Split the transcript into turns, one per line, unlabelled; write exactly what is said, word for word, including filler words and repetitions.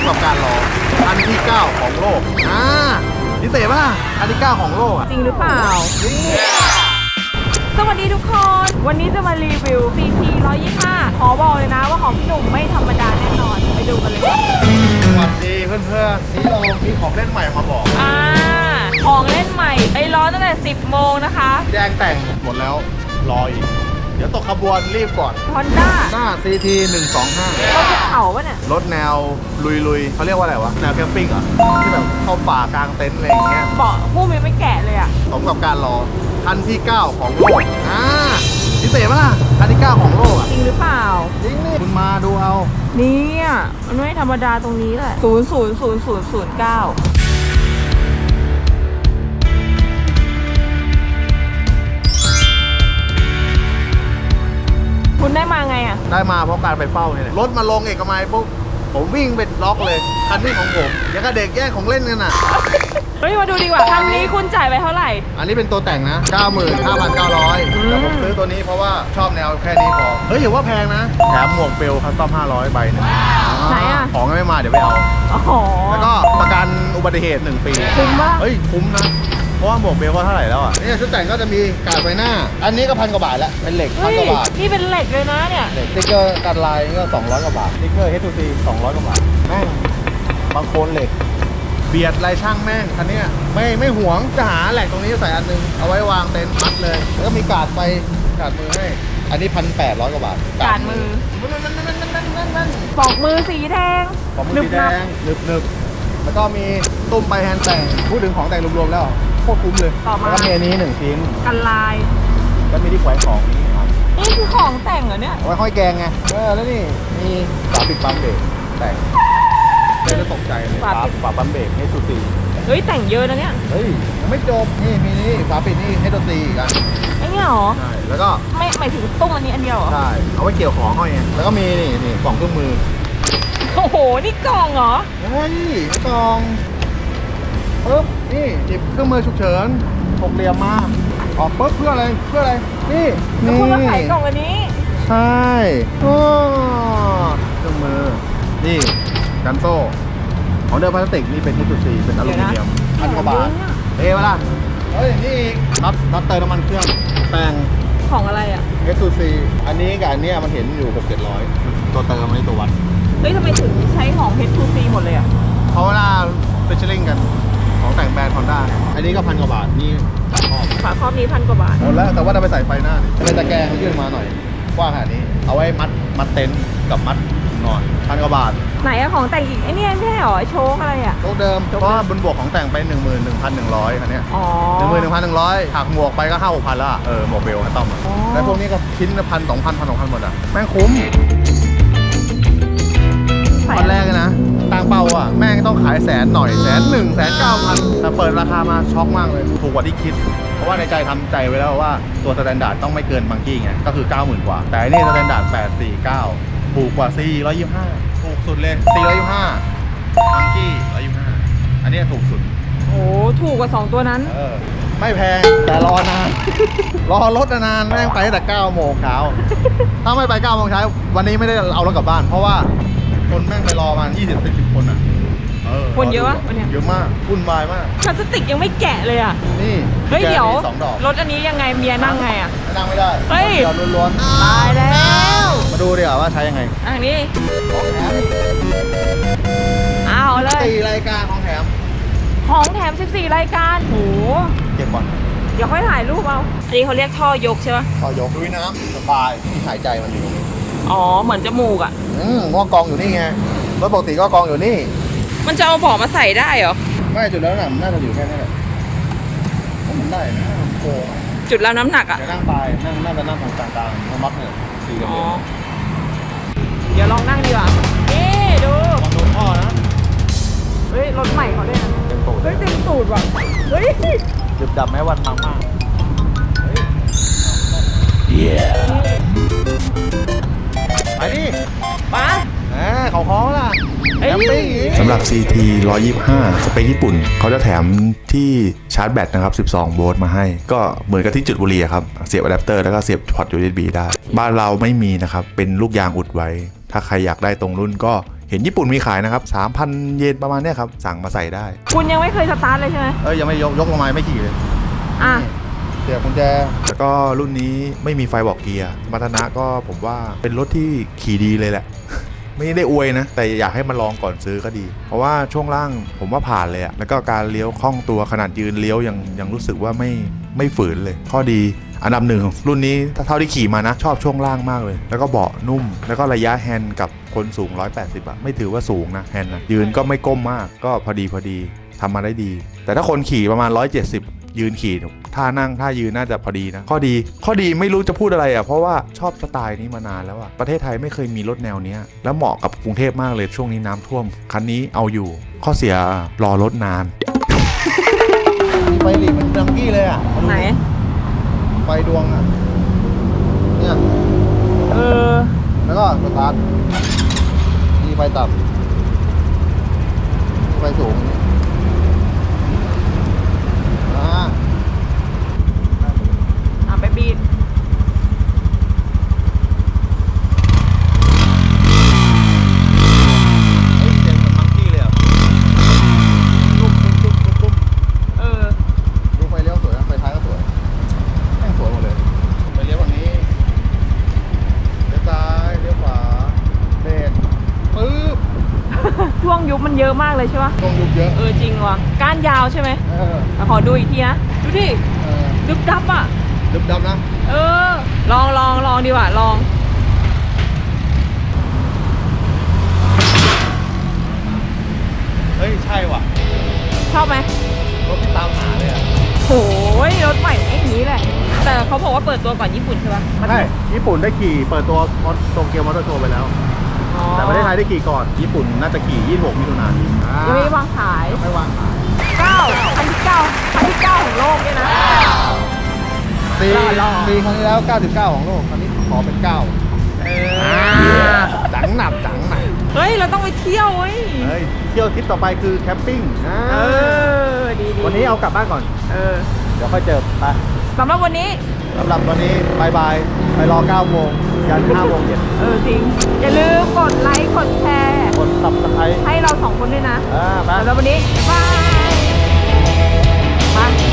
ำกับการรออันที่เก้าของโลกอ่าพิเศษป่ะอันที่เก้าของโลกอ่ะ
จริงหรือเปล่าสวัสดีทุกคน วันนี้จะมารีวิว ซี ที หนึ่งร้อยยี่สิบห้า ขอบอกเลยนะว่าของพี่หนุ่มไม่ธรรมดาแน่นอน ไปดูกันเลยว่า
สวัสดีเพื่อนๆนี่เรามีของเล่นใหม่มาบอก
อ่าของเล่นใหม่ไอ้ร้อนตั้งแต่สิบโมงนะคะ
แจ้งแต่งหมดแล้วรออีกเดี๋ยวตกขบวนรีบก่อน
Honda
หน้า ซี ที หนึ่งสองห้า
รถภูเขาปะเนี่ย
รถแนวลุยๆเขาเรียกว่าอะไรวะแนวแคมปิ้งเหรอที่แบบเข้าป่ากลางเต็นท์อะไรอย่างเงี้ย
เบาะผู้มีไม่แกะเลยอ่ะ
สมกับการรอคันที่เก้าของโลกอ่าพิเศษป่ะคันที่เก้าของโลกอ่ะ
จริงหรือเปล่า
จริงนี่คุณมาดูเอา
เนี่ยมันไม่ธรรมดาตรงนี้แหละศูนย์ศูนย์ศูนย์ศูนย์ศูนย์เก้าคุณได้มาไงอ่ะ
ได้มาเพราะการไปเฝ้าเนี่ยแหละรถมาลงเอกมัยปุ๊บผมวิ่งไปล็อกเลยคันนี้ของผมยังกับเด็กแย่งของเล่นกันอ่ะ
เฮ้ยมาดูดีกว่าคันนี้คุณจ่ายไปเท่าไหร่
อันนี้เป็นตัวแต่งนะ เก้าหมื่นห้าพันเก้าร้อย
อืม
แต่ผมซื้อตัวนี้เพราะว่าชอบแนวแค่นี้พอ เฮ้ยอย่าว่าแพงนะ แถมหมวกเปลคัสตอมห้าร้อยใบหนึง
ไหนอ่ะ
ของยังไม่มาเดี๋ยวไปเอา
อ๋อ
แล้วก็ประกันอุบัติเหตุหนึ่งปี
คุ้มปะ
เฮ้ยคุ้มนะ เพราะว่าหมวกเบลก็เท่าไหร่แล้วอ่ะนี่ชุดแต่งก็จะมีกาดไฟหน้า อันนี้ก็พันกว่าบาทแล้ว เป็นเหล็กพัน
เฮ้ย
กว่าบาท
นี่เป็นเหล็กเลยนะเนี่ย
เหล็กสติ๊กเกอร์กันลายนี่ก็สองร้อยกว่าบาทสติ๊กเกอร์ เอช ทู ซี สองร้อยกว่าบาท แม่งบางโคนเหล็ก เบียดลายช่างแม่งคันนี้ไม่ไม่หวงจะหาแหลกตรงนี้ใส่อันนึง เอาไว้วางเต็นท์มัดเลย แล้วก็มีกาดไฟกาดมือให้ อันนี้พันแปดร้อยกว่าบาท
กาดมือ
นั่นนั่นนั่นนั่นนั่นนั่น
ปอกมือสีแดง
ของมือสีแดงหนึบหนึบแล้วก็มีตุ้มใบแฮนด์แต่งพูดถึงของแต่งรวมๆแล้วโคตรคุ้มเลย
ต่อมา
แล้วก็มีอันนี้หนึ่งชิ้น
กันลาย
แล้วมีที่แขวนของนี่ครับ
นี่คือของแต่งเหรอเนี่ย
เอาไว้ห้อยแกงไงเออแล้วนี่มีฝาปิดปั๊มเบรกแต่งเดี๋ยวจะตกใจเลยฝาฝาปั๊มเบรกให้สุดตี
เฮ้ยแต่งเยอะนะเนี่ย
เฮ้ยยังไม่จบนี่มีนี่ฝาปิดนี่ให้ดนตรีอีกอัน
ไอ้เนี่ยเหรอ
ใช่แล้วก็
ไม่หมายถึงตุ้มอันนี้อันเดียวเหรอ
ใช่เอาไว้เกี่ยวของห้อยไงแล้วก็มีนี่นี่กล่องเครื่องมือ
โอ้โห นี่กล่องเหรอ
เฮ้ยกล่องปึ๊บนี่หยิบเครื่องมือฉุกเฉินหกเหลี่ยมมาออกปึ๊บเพื่ออะไรเพื่ออะไรนี่
แล้ว
นี่
คุณมาขายกล่องอันนี้
ใช่โอ้เครื่องมือนี่กันโซ่ของเดิมพลาสติกนี่เป็น เอช ทู ซี เป็นอลูมิเนียมพันกว่าบาทเท่ปะล่ะเฮ้ยนี่อีกน็อตน็อตเติมน้ำมันเครื่องแต่ง
ของอะไรอ่ะ
เอช ทู ซี อันนี้กับอันเนี้ยมันเห็นอยู่หกเจ็ดร้อยตัวเติมอันนี้ตัววัด
เฮ้ยทำไมถึงใช้ของ เอช ทู ซี หมดเลยอ่ะ
เพราะเวลาเฟเชอร์ลิงกันของแต่งแบรนด์ฮอนด้าอันนี้ก็พันกว่าบาทนี่สามข้อ
ฝาครอบนี้พันกว่าบาท
หมดแล้วแต่ว่าเราไปใส่ไฟหน้าเนี่ยเป็นตะแกรงยื่นมาหน่อยกว้างขนาดนี้ เอาไว้มัดมัดเต็นท์กับมัดนอนพันกว่าบาท
ไหนอะของแต่งอีกไอ้เนี่ยไม่ใช่เหรอไอ้โชคอะไรอ่ะ
โต๊ะเดิมเพราะว่าบนบวกของแต่งไปหนึ่งหมื่นหนึ่งพันหนึ่งร้อยคันเนี้ย
อ๋อ
หนึ่งหมื่นหนึ่งพันหนึ่งร้อยหักหมวกไปก็ห้าหกพันละเออหมวกเบลคัสตอมอะ
อ๋อ
แล้วพวกนี้ก็ชิ้นละพันสองพันพันสองพันหมดอ่ะแม่งคุ้ม
ใส่
ตอนแรกเลยนะตั้งเป้าอ่ะแม่งต้องขายแสนหน่อยแสนหนึ่งแสนเก้าพันแต่เปิดราคามาช็อกมากเลยถูกกว่าที่คิด เพราะว่าในใจทำใจไว้แล้วว่าตัวสแตนดาร์ดต้องไม่เกินบังกี้ไงก็คือ เก้าหมื่น กว่า แต่อันนี่สแตนดาร์ดแปดสี่เก้าถูกกว่า สี่ร้อยยี่สิบห้า ถูกสุดเลย สี่ร้อยยี่สิบห้า บังกี้หนึ่งร้อยยี่สิบห้า อันนี้ถูกสุด
โอ้ถูกกว่าสองตัวนั้น
เออไม่แพงแต่รอนาน รอรถนานแม่งไปตั้งแต่เก้าโมงเช้าถ้าไม่ไปเก้าโมงเช้าวันนี้ไม่ได้เอารถกลับบ้าน เพราะว่าคนแม่งไปรอมายี่สิบสิบคนอ่ะเออ
คนเยอะวะวันเนี้ย
เยอะมากวุ่นวายมาก
พลาสติกยังไม่แกะเลยอ่ะ
นี่
เฮ้ย
แก
เดี๋ยว
มีสองดอก
รถอันนี้ยังไงเมียนั่งไงอ่ะ
นั่งไม่ได้
เฮ้ย
เดียวล้วน
ตายแล้ว
ๆมาดูดีกว่าว่าใช้ยังไง
อันนี้
ของแถม
เอาเลย
สี่รายการของแถม
ของแถมสิบสี่รายการโห
เก็บก่อน
เดี๋ยวค่อยถ่ายรูปเอาอันนี้เขาเรียกท่อยกใช่ปะ
พอยกลุยน้ำสบายที่หายใจมันอยู่ตรงนี้
อ๋อเหมือนจมูกอ่ะ
อืมว่ากองอยู่นี่ไงรถปกติก็กองอยู่นี่
มันจะเอาเบาะมาใส่ได้เหรอ
ไม่จุดแล้วน่ะมันน่าจะอยู่แค่นี้แหละเพราะมันได้นะมันโกง
จุดรับน้ำหนักอ่ะ
เดี๋ยวนั่งไปนั่งน่าจะนั่งตรงกลางๆเพราะมัดเนี่ยสี่กับ
อ๋อ
เดียว
เดี๋ยวลองนั่งดีกว่า นี่ดู
ลองโดนพ่อนะ
เฮ้ย รถใหม่เขาด้วยนะ
เต็มตูด
เฮ้ยเต็มตูดว่ะ เฮ้ย
ดึบดับแม้วันมากมากไปดิ
มา
แหมเขาคอล่ะ
เอ้ย
แคมปิ้งอีก
สำหรับ ซี ที หนึ่งร้อยยี่สิบห้า สเปคญี่ปุ่น เขาจะแถมที่ชาร์จแบตนะครับ สิบสอง โวลต์มาให้ ก็เหมือนกับที่จุดบุหรี่ครับ เสียบอะแดปเตอร์แล้วก็เสียบพอร์ต ยู เอส บี ได้ บ้านเราไม่มีนะครับ เป็นลูกยางอุดไว้ ถ้าใครอยากได้ตรงรุ่นก็เห็นญี่ปุ่นมีขายนะครับ สามพัน เยนประมาณเนี้ยครับ สั่งมาใส่ได้
คุณยังไม่เคยสตาร์ทเลยใช่ไหม
เอ้ยยังไม่ยกยกลงมาไม่ขี่เลย
อ่ะ
เดี๋ยวกุญแจ
แล้วก็รุ่นนี้ไม่มีไฟบอกเกียร์สมรรถนะก็ผมว่าเป็นรถที่ขี่ดีเลยแหละ ไม่ได้อวยนะ แต่อยากให้มาลองก่อนซื้อก็ดี เพราะว่าช่วงล่างผมว่าผ่านเลยอะแล้วก็การเลี้ยวคล่องตัวขนาดยืนเลี้ยวยังยังรู้สึกว่าไม่ไม่ฝืนเลย ข้อดีอันดับหนึ่งของรุ่นนี้ถ้าเท่าที่ขี่มานะ ชอบช่วงล่างมากเลย แล้วก็เบาะนุ่ม แล้วก็ระยะแฮนด์กับคนสูงหนึ่งร้อยแปดสิบอะไม่ถือว่าสูงนะแฮนด์นะยืนก็ไม่ก้มมากก็พอดีพอดีทำมาได้ดี แต่ถ้าคนขี่ประมาณหนึ่งร้อยเจ็ดสิบยืนขี่ท่านั่งท่ายืนน่าจะพอดีนะข้อดีข้อดีไม่รู้จะพูดอะไรอ่ะเพราะว่าชอบสไตล์นี้มานานแล้วอ่ะประเทศไทยไม่เคยมีรถแนวเนี้ยแล้วเหมาะกับกรุงเทพมากเลยช่วงนี้น้ำท่วมคันนี้เอาอยู่ข้อเสียรอรถนาน
ไฟหลีมันดังกี้เลยอ่ะ
ไหน
ไฟดวงอ่ะเนี่ย
เออ
แล้วก็สตาร์ทมีไฟต่ำมีไฟสูงอ่า
อ่ะไปบีด
เฮ้ยเสียงเหมือนมังกี้เลยอ่ะตุ้มตุ้มตุ้มตุ้มตุ้ม
เออ
ดูไฟเลี้ยวสวยนะไฟท้ายก็สวยแม่งสวยหมดเลยไฟเลี้ยวฝั่งนี้เลี้ยวซ้ายเลี้ยวขวาเบรกปึ๊บ
ช่วงยุบมันเยอะมากเลยใช่ปะ
ตรงยุบเยอะ
เออจริงว่ะก้านยาวใช่ไหม
เออ
แต่ขอดูอีกทีนะ ดูดิ
เออ
ดึบดับอ่ะ
ดึบดำนะ
เออ ลองลองลองดีกว่าลอง
เฮ้ยใช่ว่ะ
ชอบไหม
รถที่ตามหาเลยอ่ะ
โอ้ยรถใหม่ไอ้นี้แหละ แต่เขาบอกว่าเปิดตัวก่อนญี่ปุ่นใช่ปะ
ใช่ญี่ปุ่นได้ขี่เปิดตัวโตเกียวมอเตอร์โชว์ไปแล้ว
อ๋อ
แต่ประเทศไทยได้ขี่ก่อน ญี่ปุ่นน่าจะขี่ยี่สิบหกมิถุนายน
ยังไม่วางขาย
ไม่วางขาย
เก้าคันที่เก้าคันที่เก้าของโลกเนี่ยนะ
ปี
รอรอ
ปีครั้งที่แล้วเก้าสิบเก้าของโลกครั้งนี้ขอเป็นเก้า
เอ
จังหนับจังหนับ
เฮ้ย เราต้องไปเที่ยวเว้ย
เฮ้ยเที่ยวทริปต่อไปคือแคมปิ้งอ่า
เออ ดีดี
วันนี้เอากลับบ้านก่อน
เออ
เดี๋ยวค่อยเจอไป
สำหรับวันนี้
สำหรับวันนี้บายบายไปรอเก้าโมงยันห้าโมงเย็น
เออจริง อย่าลืมกดไลค์ กดแชร์
กดซับสไครต์
ให้เราสองคนด้วยนะ
อ่าไป
สำหรับวันนี้ บ๊ายบายมา